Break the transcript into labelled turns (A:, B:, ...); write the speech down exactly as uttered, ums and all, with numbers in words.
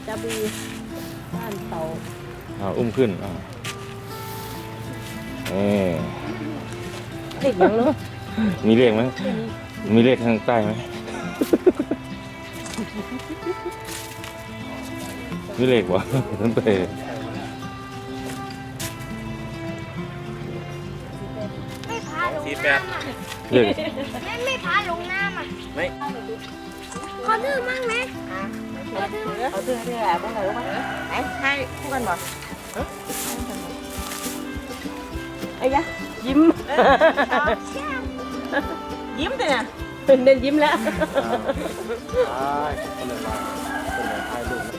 A: จาบีบ้านเตา
B: อ่าอุ้มขึ้นอ่าเออ
A: เด็กยังเนาะ
B: มีเลขไหมมีเลขข้างใต้ไหม มีเลขวะนั่นไป
C: ไม่พาลง
D: สี่แปด
C: น้ำอ่ะ
B: เลข
C: แม่ไม่พาลงน้ำอ่ะ
D: ไม่
C: ขอดื้อมั่งไหมขอดื้อ
A: เอาเสื้อที่แหละพวกไหนรู้ไหมไหนให้คู่กันบ่ไอ้ยะยิ้ม ยิ้มแต่เนี่ยเด่นยิ้มแล้ว
D: ใช่คนเลยมาคนเลยถ่ายรูป